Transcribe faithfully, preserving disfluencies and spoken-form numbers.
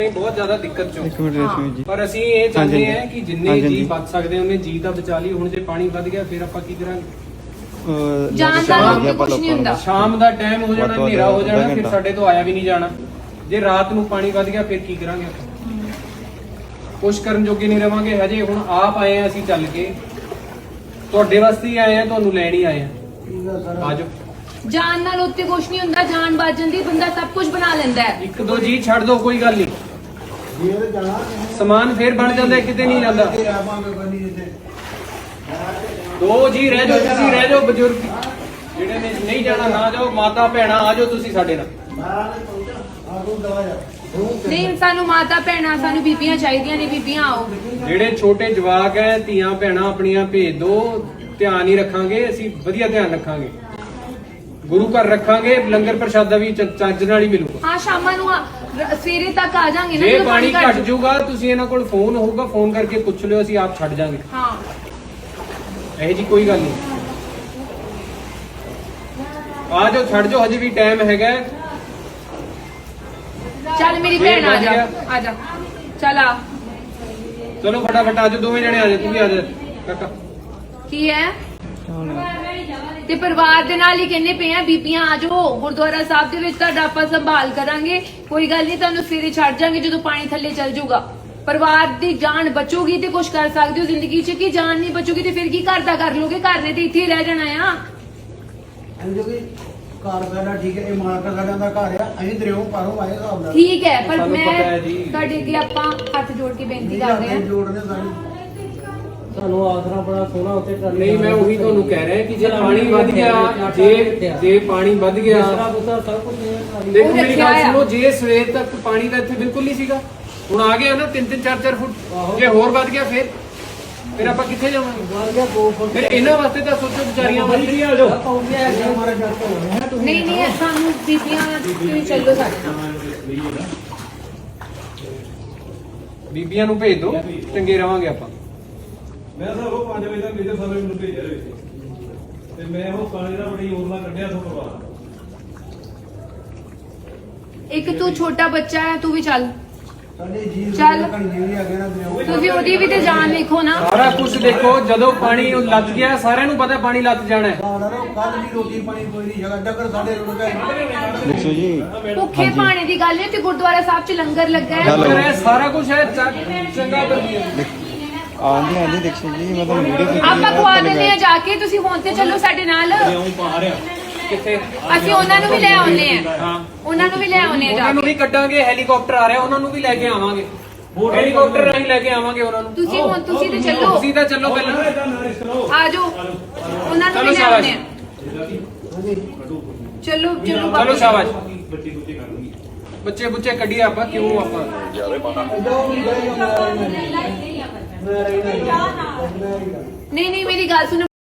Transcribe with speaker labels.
Speaker 1: बहुत ज्यादा दिक्कत चो
Speaker 2: एक मिनट रेशमी जी
Speaker 1: पर ਅਸੀਂ ਇਹ ਚਾਹੁੰਦੇ
Speaker 2: ਹਾਂਜੀ,
Speaker 1: ਹਾਂ ਕਿ ਜਿੰਨੇ
Speaker 2: ਹਾਂਜੀ,
Speaker 1: ਜੀ
Speaker 2: ਹਾਂਜੀ।
Speaker 1: ਬਚ ਸਕਦੇ ਉਹਨੇ ਜੀ ਤਾਂ ਬਚਾ ਲਈ। ਹੁਣ ਜੇ ਪਾਣੀ ਵੱਧ ਗਿਆ ਫਿਰ ਆਪਾਂ ਕੀ ਕਰਾਂਗੇ?
Speaker 2: ਅਹ
Speaker 3: ਜਾਣ ਦਾ
Speaker 2: ਸ਼ਾਮ
Speaker 3: ਲੋਕ
Speaker 2: ਨੂੰ ਆਪਾਂ
Speaker 3: ਕੁਛ ਨਹੀਂ
Speaker 2: ਲੋਕਾਂ ਨੂੰ
Speaker 3: ਹੁੰਦਾ।
Speaker 1: ਸ਼ਾਮ ਦਾ ਟਾਈਮ ਹੋ ਜਾਣਾ,
Speaker 2: ਵੱਧ ਤੋਂ ਵੱਧ
Speaker 1: ਹਨੇਰਾ ਹੋ ਜਾਣਾ,
Speaker 2: ਅੱਧਾ
Speaker 1: ਫਿਰ
Speaker 2: ਘੰਟਾ।
Speaker 1: ਸਾਡੇ ਤੋਂ ਆਇਆ ਵੀ ਨਹੀਂ ਜਾਣਾ। ਜੇ ਰਾਤ ਨੂੰ ਪਾਣੀ ਵੱਧ ਗਿਆ ਫਿਰ ਕੀ ਕਰਾਂਗੇ ਆਪਾਂ? ਕੁਛ ਕਰਨ ਜੋਗੇ ਨਹੀਂ ਰਵਾਂਗੇ। ਹਜੇ ਹੁਣ ਆਪ ਆਏ ਆ ਅਸੀਂ ਚੱਲ ਕੇ, ਤੁਹਾਡੇ ਵਾਸਤੇ ਹੀ ਆਏ ਆ, ਤੁਹਾਨੂੰ ਲੈਣ ਹੀ ਆਏ ਆ। ਆਜੋ।
Speaker 3: ਜਾਨ ਨਾਲ ਉੱਤੇ ਕੁਛ ਨਹੀਂ ਹੁੰਦਾ, ਜਾਨ ਬਚ ਜਾਂਦੀ, ਬੰਦਾ ਸਭ ਕੁਝ ਬਣਾ ਲੈਂਦਾ ਹੈ।
Speaker 1: ਇੱਕ ਦੋ ਜੀ ਛੱਡ ਦੋ, ਕੋਈ ਗੱਲ ਨਹੀਂ, ਸਮਾਨ ਫੇਰ ਬਣ ਜਾਂਦਾ, ਕਿਤੇ ਨਹੀਂ ਜਾਂਦਾ। ਦੋ ਜੀ ਰਹਿ ਜਾਓ, ਤੁਸੀਂ ਰਹਿ ਜਾਓ, ਬਜ਼ੁਰਗ ਜਿਹੜੇ ਨੇ ਨਹੀਂ ਜਾਣਾ ਨਾ ਜਾਓ, ਮਾਤਾ ਭੈਣਾ ਆ ਜਾਓ ਤੁਸੀਂ ਸਾਡੇ ਨਾਲ।
Speaker 3: ਨਹੀਂ, ਸਾਨੂੰ ਮਾਤਾ ਭੈਣਾਂ, ਸਾਨੂੰ ਬੀਬੀਆਂ ਚਾਹੀਦੀਆਂ ਨੇ, ਬੀਬੀਆਂ ਆਓ।
Speaker 1: ਜਿਹੜੇ ਛੋਟੇ ਜਵਾਕ ਹੈ, ਧੀਆਂ ਭੈਣਾਂ ਆਪਣੀਆਂ ਭੇਜ ਦੋ, ਧਿਆਨ ਹੀ ਰੱਖਾਂਗੇ ਅਸੀਂ, ਵਧੀਆ ਧਿਆਨ ਰੱਖਾਂਗੇ, ਗੁਰੂ ਘਰ ਰੱਖਾਂਗੇ, ਲੰਗਰ ਪ੍ਰਸ਼ਾਦਾ ਵੀ ਚ- ਚੱਜ ਨਾਲ ਹੀ ਮਿਲੂਗਾ।
Speaker 3: ਹਾਂ, ਸ਼ਾਮਾਂ ਨੂੰ ਆ- ਰ- ਸਵੇਰੇ ਤੱਕ ਆ ਜਾਾਂਗੇ ਨਾ,
Speaker 1: ਜੇ
Speaker 3: ਜਦੋਂ
Speaker 1: ਪਾਣੀ
Speaker 3: ਘੱਟ
Speaker 1: ਘਟ ਜਾਊਗਾ ਤੁਸੀਂ ਇਹਨਾਂ ਕੋਲ ਫੋਨ ਹੋਊਗਾ, ਫੋਨ ਕਰਕੇ ਪੁੱਛ ਲਿਓ, ਅਸੀਂ ਆਪ ਛੱਡ ਜਾਾਂਗੇ।
Speaker 3: ਹਾਂ,
Speaker 1: ਇਹ ਜੀ ਕੋਈ ਗੱਲ ਨਹੀਂ, ਆ ਜਾਓ, ਛੱਡ ਜਾਓ, ਹਜੇ ਵੀ ਟਾਈਮ ਹੈਗਾ।
Speaker 3: ਚੱਲ ਮੇਰੀ
Speaker 1: ਫੇਰ
Speaker 3: ਭੈਣ ਆ ਜਾ,
Speaker 1: ਵਧੀਆ।
Speaker 3: ਆ ਜਾ, ਚੱਲ ਆ।
Speaker 1: ਚਲੋ ਫਟਾਫਟ ਆ ਜਾਓ, ਦੋਵੇਂ ਜਣੇ ਆ ਜਾਓ, ਤੂੰ ਵੀ ਆ ਜਾ ਕਾਕਾ।
Speaker 3: ਕੀ ਹੈ ਤੇ ਪਰਿਵਾਰ ਦੇ ਨਾਲ ਹੀ ਕਹਿੰਦੇ ਪਏ ਆ, ਬੀਬੀਆਂ ਆ ਜਾਓ ਗੁਰਦੁਆਰਾ ਸਾਹਿਬ ਦੇ ਵਿੱਚ, ਤੁਹਾਡਾ ਆਪਾਂ ਸੰਭਾਲ ਕਰਾਂਗੇ, ਕੋਈ ਗੱਲ ਨਹੀਂ, ਤੁਹਾਨੂੰ ਸਵੇਰੇ ਛੱਡ ਜਾਾਂਗੇ ਜਦੋਂ ਪਾਣੀ ਥੱਲੇ ਚੱਲ ਜਾਊਗਾ। ਪਰਿਵਾਰ ਦੀ ਜਾਨ ਬਚੂਗੀ ਤੇ ਕੁਝ ਕਰ ਸਕਦੇ ਹੋ ਜ਼ਿੰਦਗੀ 'ਚ, ਕਿ ਜਾਨ ਨਹੀਂ ਬਚੂਗੀ ਤੇ ਫਿਰ ਕੀ ਘਰ ਦਾ ਕਰ ਲੋਗੇ? ਘਰ ਨੇ ਤੇ ਇੱਥੇ ਹੀ ਰਹਿ ਜਾਣਾ ਆ।
Speaker 4: ਘਰ ਸਾਡਾ ਠੀਕ ਹੈ, ਇਹ ਮਾਲਕ ਸਾਡਾ ਦਾ ਘਰ ਆ, ਅਸੀਂ ਦਰਿਓ ਪਾਰੋਂ ਆਏ ਹਿਸਾਬ ਨਾਲ।
Speaker 3: ਠੀਕ ਹੈ, ਪਰ
Speaker 1: ਸਾਨੂੰ ਪਤਾ ਹੈ
Speaker 3: ਮੈਂ
Speaker 1: ਜੀ।
Speaker 3: ਤੁਹਾਡੇ ਅੱਗੇ ਆਪਾਂ ਹੱਥ ਜੋੜ ਕੇ ਬੇਨਤੀ ਕਰਦੇ ਹਾਂ।
Speaker 4: ਜੋੜਨੇ ਸਾਡੀ
Speaker 5: ਤੁਹਾਨੂੰ ਆਸਰਾ ਬੜਾ ਸੋਹਣਾ ਉੱਤੇ ਟਰਾਲੀ
Speaker 1: ਨਹੀਂ, ਮੈਂ ਉਹੀ ਤੁਹਾਨੂੰ ਕਹਿ ਰਿਹਾ ਕਿ ਜੇ ਪਾਣੀ ਵੱਧ ਗਿਆ, ਜੇ ਜੇ ਪਾਣੀ ਵੱਧ ਗਿਆ,
Speaker 5: ਆਸਰਾ ਬੁਸਰਾ ਸਭ ਕੁਝ ਹੈ ਟਰਾਲੀ।
Speaker 1: ਦੇਖੋ
Speaker 3: ਉਹ
Speaker 1: ਮੇਰੀ
Speaker 3: ਰੱਖਿਆ
Speaker 1: ਗੱਲ
Speaker 3: ਆ।
Speaker 1: ਸੁਣੋ, ਜੇ ਸਵੇਰ ਤੱਕ ਪਾਣੀ ਦਾ ਇੱਥੇ ਬਿਲਕੁਲ ਨਹੀਂ ਸੀਗਾ, ਹੁਣ ਆ ਗਿਆ ਨਾ ਤਿੰਨ ਤਿੰਨ ਚਾਰ ਚਾਰ ਫੁੱਟ, ਜੇ ਹੋਰ ਵੱਧ ਗਿਆ ਫਿਰ ਫਿਰ ਆਪਾਂ ਕਿੱਥੇ ਜਾਵਾਂਗੇ?
Speaker 5: ਵੱਧ ਗਿਆ ਦੋ ਫੁੱਟ
Speaker 1: ਫਿਰ ਇਹਨਾਂ ਵਾਸਤੇ ਤਾਂ ਸੋਚੋ, ਵਿਚਾਰੀਆਂ ਵਾਸਤੇ ਆ ਜਾਓ।
Speaker 5: ਪਾਉਂਦੇ ਆ
Speaker 4: ਹਮਾਰੇ ਘਰ ਤੋਂ ਹੋਣੇ ਹੈ ਤੁਸੀਂ
Speaker 3: ਨਹੀਂ ਨਹੀਂ, ਸਾਨੂੰ ਬੀਬੀਆਂ ਤੁਸੀਂ ਚੱਲੋ ਸਾਡੇ ਨਾਲ।
Speaker 1: ਬੀਬੀਆਂ ਨੂੰ ਭੇਜ ਦਿਓ, ਚੰਗੇ ਰਵਾਂਗੇ ਆਪਾਂ।
Speaker 6: ਮੈਂ ਸਰ ਉਹ ਪੰਜ ਵਜੇ ਤੱਕ ਮੇਰੇ ਸਾਰੇ ਮੈਨੂੰ ਭੇਜਿਆ ਹੋਇਆ ਤੇ ਮੈਂ ਉਹ ਪਾਣੀ ਦਾ ਬੜੀ ਓਰਲਾ ਕੱਢਿਆ ਤੋਂ ਪਰਵਾਹ।
Speaker 3: ਇੱਕ ਤੂੰ ਛੋਟਾ ਬੱਚਾ ਹੈ, ਤੂੰ ਵੀ ਚੱਲ।
Speaker 4: ਸਾਡੇ ਜੀ
Speaker 3: ਚੱਲ।
Speaker 4: ਕਣੀ ਆ ਗਿਆ ਨਾ ਦਰਿਓ।
Speaker 3: ਤੁਸੀਂ ਉਹਦੀ ਵੀ ਤੇ ਜਾਨ ਵੇਖੋ ਨਾ।
Speaker 1: ਸਾਰਾ ਕੁਝ ਦੇਖੋ, ਜਦੋਂ ਪਾਣੀ ਉਹ ਲੱਗ ਗਿਆ, ਸਾਰਿਆਂ ਨੂੰ ਪਤਾ ਪਾਣੀ ਲੱਗ ਜਾਣਾ ਹੈ।
Speaker 4: ਕੱਲ ਵੀ ਰੋਟੀ ਪਾਣੀ ਕੋਈ ਨਹੀਂ ਜਗਾ ਡੱਕਰ ਸਾਡੇ ਰੁੜ ਗਏ।
Speaker 2: ਦੇਖੋ ਜੀ
Speaker 3: ਭੁੱਖੇ ਪਾਣੀ ਦੀ ਗੱਲ ਹੈ ਤੇ ਗੁਰਦੁਆਰਾ ਸਾਹਿਬ 'ਚ ਲੰਗਰ ਲੱਗਾ ਹੈ।
Speaker 2: ਹੈਲੋ।
Speaker 1: ਪਰ ਇਹ ਸਾਰਾ ਕੁਝ ਹੈ ਚ- ਚੰਗਾ ਵਧੀਆ।
Speaker 2: ਆਂਦੀ ਆਂਦੀ ਦੇਖੋ ਜੀ ਮੈਂ ਤੁਹਾਨੂੰ ਵੀਡੀਓ
Speaker 3: ਆਪਾਂ ਖਵਾ ਦਿੰਦੇ ਆ ਜਾ ਕੇ, ਤੁਸੀਂ ਹੁਣ ਤੇ ਚੱਲੋ ਸਾਡੇ ਨਾਲ।
Speaker 1: ਕਿੱਥੇ?
Speaker 3: ਅਸੀਂ ਉਹਨਾਂ ਨੂੰ ਵੀ ਲੈ ਆਉਨੇ ਆ,
Speaker 1: ਹਾਂ,
Speaker 3: ਉਹਨਾਂ ਨੂੰ ਵੀ ਲੈ ਆਉਨੇ ਆ ਜਾ
Speaker 1: ਉਹਨਾਂ ਨੂੰ
Speaker 3: ਕੇ।
Speaker 1: ਵੀ ਕੱਢਾਂਗੇ, ਹੈਲੀਕਾਪਟਰ ਆ ਰਿਹਾ, ਉਹਨਾਂ ਨੂੰ ਵੀ ਲੈ ਕੇ ਆਵਾਂਗੇ, ਹੈਲੀਕਾਪਟਰ ਰਾਹੀਂ ਲੈ ਕੇ ਆਵਾਂਗੇ ਉਹਨਾਂ ਨੂੰ।
Speaker 3: ਤੁਸੀਂ ਹੁਣ ਤੁਸੀਂ ਤੇ ਚੱਲੋ,
Speaker 1: ਤੁਸੀਂ ਤਾਂ ਚੱਲੋ ਪਹਿਲਾਂ।
Speaker 3: ਆ ਜਾਓ, ਉਹਨਾਂ ਨੂੰ
Speaker 1: ਚਲੋ
Speaker 3: ਵੀ ਲੈ
Speaker 1: ਸ਼ਾਬਾਸ਼।
Speaker 3: ਆਉਨੇ ਆ। ਚਲੋ ਚਲੋ
Speaker 1: ਚਲੋ
Speaker 3: ਬਾਬਾ।
Speaker 1: ਸ਼ਾਬਾਸ਼। ਬੱਚੇ ਬੁੱਚੇ ਕੱਢੀਏ ਆਪਾਂ, ਕਿਉਂ ਆਪਾਂ
Speaker 3: ਨਹੀਂ ਨਹੀਂ, ਮੇਰੀ ਗੱਲ ਸੁਣੋ।